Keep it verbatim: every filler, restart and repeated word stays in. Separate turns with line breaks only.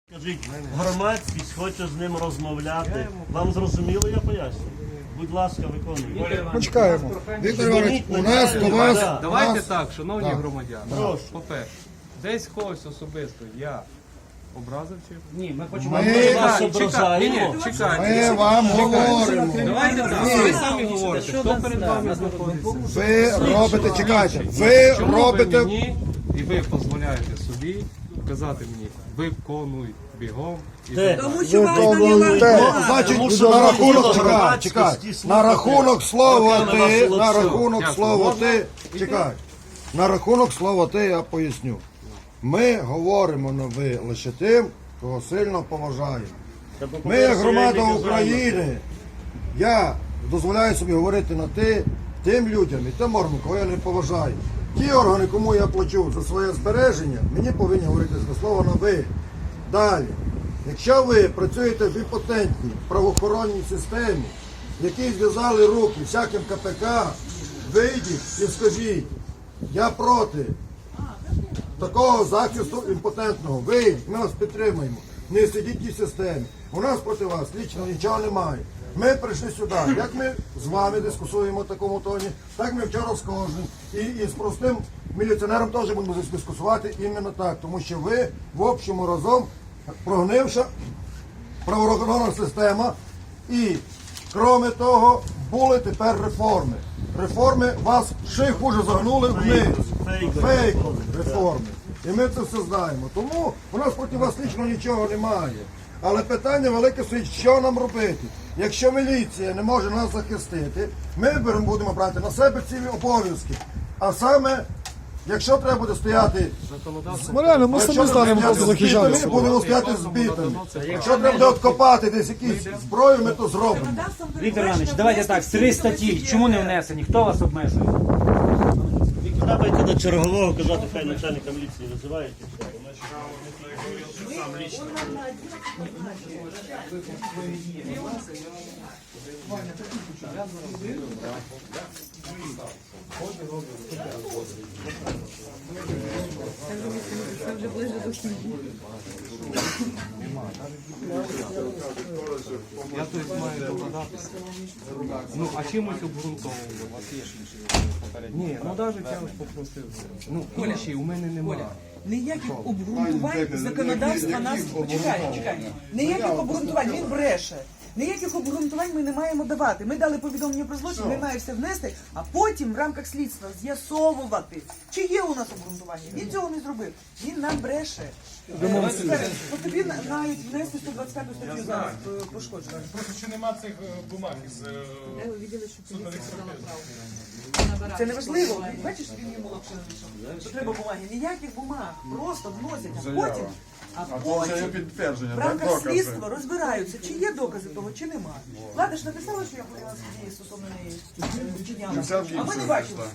Скажіть, громадськість хоче з ним розмовляти. Вам зрозуміло, я поясню? Будь ласка, виконуйте.
Почекаємо. Віктор Іванович, у нас до вас...
Да.
Давайте
нас-
так, шановні
Так.
громадяни.
Прошу.
По-перше, десь когось особисто я образив чи?
Ні, ми хочемо.
Ми-
Ми вас
Чекайте,
ображаємо.
ні, чекайте.
Ми вам говоримо.
Давайте так, ви самі говорите, хто перед вами знаходиться.
Ви робите, чекайте, ви
Чому
робите...
ви мені, і ви дозволяєте собі казати мені, виконуй бігом. І
Де?
так далі.
Тому що вас
Ну,
наняла
те,
влада.
значить,
Тому що
на
ви
рахунок,
хотіли
чекай,
громадськості
чекай,
слухати.
на рахунок слова
Роками
ти,
вас
на
лоцюг.
рахунок
Дякую.
слова
Можна
ти, чекай, на рахунок слова ти я поясню. Ми говоримо на ви лише тим, кого сильно поважаємо. Ми, як громада України, я дозволяю собі говорити на ти тим людям і тим органам, кого я не поважаю. Ті органи, кому я плачу за своє збереження, мені повинні говорити за слово на ви. Далі. Якщо ви працюєте в імпотентній правоохоронній системі, які зв'язали руки всяким ка пе ка, вийдіть і скажіть, я проти такого захисту імпотентного. Вийдіть, ми вас підтримуємо. Не сидіть в тій системі. У нас проти вас лічно нічого немає. Ми прийшли сюди. Як ми з вами дискусуємо в такому тоні, так ми вчора з кожним. І, і з простим міліціонером теж будемо дискусувати іменно так. Тому що ви в общому разом прогнивша правоохоронна система. І, крім того, були тепер реформи. Реформи вас ще хуже загнули вниз. Фейкові реформи. І ми це все знаємо. Тому у нас проти вас лічно нічого немає. Але питання велике стоїть, що нам робити. Якщо міліція не може нас захистити, ми беремо, будемо брати на себе ці обов'язки. А саме, якщо треба буде стояти, Ну, реально, ми
якщо
самі
треба
станемо
стояти
просто
з бітами,
захищатися.
будемо стояти з бітами. Якщо треба буде откопати десь якісь зброю, ми то зробимо.
Віктор Іванович, давайте так, три статті. Чому не внесені? Хто вас обмежує?
Треба йти до чергового, казати, хай начальника міліції визивають. і все.
Я тут маю догадатися. Ну, а чимось обґрунтовувати? У вас є ж інші попередні? Ні, ну навіть я ось попросив. Ну, інші у мене немає.
Ніяких обґрунтувань законодавства нас чекає, чекає. Ніяких обґрунтувань, він бреше. Ніяких обґрунтувань ми не маємо давати. Ми дали повідомлення про злочин, ми маємо все внести, а потім в рамках слідства з'ясовувати, чи є у нас обґрунтування. Він цього не зробив. Він нам бреше. От тобі навіть внести сто двадцять п'яту статтю зараз е, пошкоджено.
Просто що нема цих е, бумаг із е, судових експертиз.
Це не важливо. Бачиш, він йому лапше навішав. Що треба бумаги. Ніяких бумаг. Просто вносять, а потім, а потім в рамках слідства розбираються, чи є докази того, чи немає. Влада ж написала, що я подала судді стосовно неї е, вчиняла. А ми не бачимо.